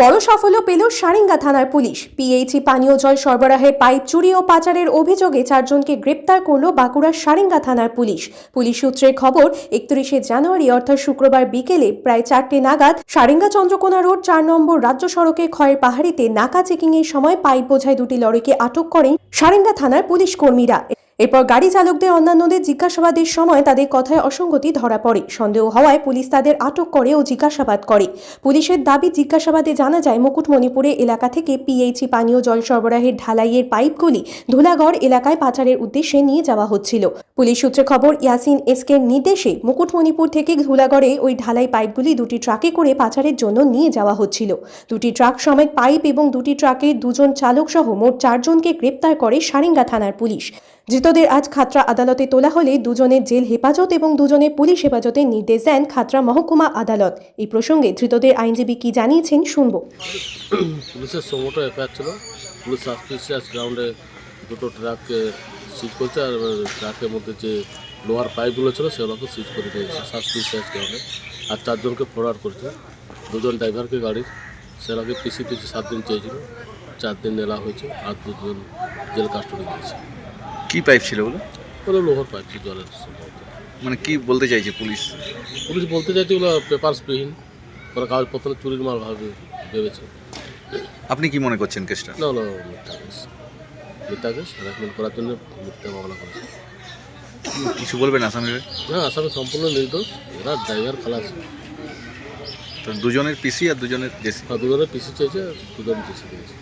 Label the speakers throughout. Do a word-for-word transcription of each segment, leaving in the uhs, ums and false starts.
Speaker 1: বড় সাফল্য পেল সারেঙ্গা থানার পুলিশ। পিএইচই পানীয় জল সরবরাহে পাইপ চুরি ও পাচারের অভিযোগে চারজনকে গ্রেপ্তার করল বাঁকুড়ার সারেঙ্গা থানার পুলিশ। পুলিশ সূত্রের খবর, একত্রিশে জানুয়ারি অর্থাৎ শুক্রবার বিকেলে প্রায় চারটে নাগাদ সারেঙ্গা চন্দ্রকোনা রোড চার নম্বর রাজ্য সড়কে খয়ের পাহাড়িতে নাকা চেকিং এর সময় পাইপ বোঝাই দুটি লরিকে আটক করেন সারেঙ্গা থানার পুলিশ কর্মীরা। এরপর গাড়ি চালকদের অন্যান্যদের জিজ্ঞাসাবাদের সময় তাদের কথায় অসঙ্গতি ধরা পড়ে। সন্দেহ হওয়ায় পুলিশ তাদের আটক করে ও জিজ্ঞাসাবাদ করে। পুলিশের দাবি, জিজ্ঞাসাবাদে জানা যায় মুকুটমণিপুরে এলাকা থেকে পিএইচই পানীয় জল সরবরাহের ঢালাইয়ের পাইপগুলি ধুলাগড় এলাকায় পাচারের উদ্দেশ্যে নিয়ে যাওয়া হচ্ছিল। পুলিশ সূত্রে খবর, ইয়াসিন এসকের নির্দেশে মুকুটমণিপুর থেকে ধুলাগড়ে ওই ঢালাই পাইপগুলি দুটি ট্রাকে করে পাচারের জন্য নিয়ে যাওয়া হচ্ছিল। দুটি ট্রাক সমেত পাইপ এবং দুটি ট্রাকের দুজন চালক সহ মোট চারজনকে গ্রেপ্তার করে সারেঙ্গা থানার পুলিশ। ধৃতদের আজ খাতড়া আদালতে তোলা হলে দুজনের জেল হেফাজত এবং দুজনের পুলিশ হেফাজতের নির্দেশ দেন খাতড়া মহকুমা আদালত। এই প্রসঙ্গে ধৃতদের আইনজীবী কি জানিয়েছেন শুনব।
Speaker 2: পুলিশের সমোটো এফআইআর ছিল। পুলিশ সাসপিসিয়াস গ্রাউন্ডে দুটো ট্রাককে সিজ করছে, আর ট্রাকের মধ্যে যে লোহার পাইপগুলো ছিল সেগুলোকে সিজ করে দিয়েছে সাসপিসিয়াস গ্রাউন্ডে। আর চারজনকে ফরওয়ার্ড করছে। দুজন ড্রাইভারকে গাড়ির সেগুলোকে পিসি পিসি সাত দিন চেয়েছিল, চার দিন নেওয়া হয়েছে, আর দুজন জেল কাস্টডি দিয়েছে।
Speaker 3: কি পাইপ ছিল ওগুলো?
Speaker 2: ওগুলো লোহার পাইপ ছিল, জলের।
Speaker 3: মানে কি বলতে চাইছে পুলিশ?
Speaker 2: পুলিশ বলতে চাইছে ওগুলো পেপারসবিহীন, ওরা কাগজপত্র চুরির মাল ভাবে ভেবেছে।
Speaker 3: আপনি কি মনে করছেন কেসটা?
Speaker 2: না হলো মিথ্যা কেস, মিথ্যা কেস হ্যারাসমেন্ট করার জন্য মিথ্যা মামলা করেছে।
Speaker 3: কিছু বলবেন আসামিরা?
Speaker 2: হ্যাঁ, আসামি সম্পূর্ণ নির্দোষ। এরা ড্রাইভার খালাস।
Speaker 3: তো দুজনের পিসি আর দুজনের জেসি?
Speaker 2: আর দুজনের পিসি চেয়েছে, দুজন জেসি দিয়েছে।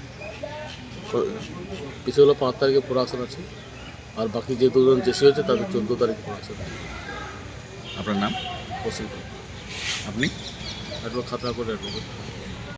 Speaker 2: পিসি হলো পাঁচ তারিখে প্রোডাকশন আছে, আর বাকি যে দুজন জেসি হয়েছে তাদের চোদ্দো তারিখে প্রোডাকশন আছে।
Speaker 3: আপনার নাম?
Speaker 2: পসিবল।
Speaker 3: আপনি?
Speaker 2: Advocate, Khatra court advocate.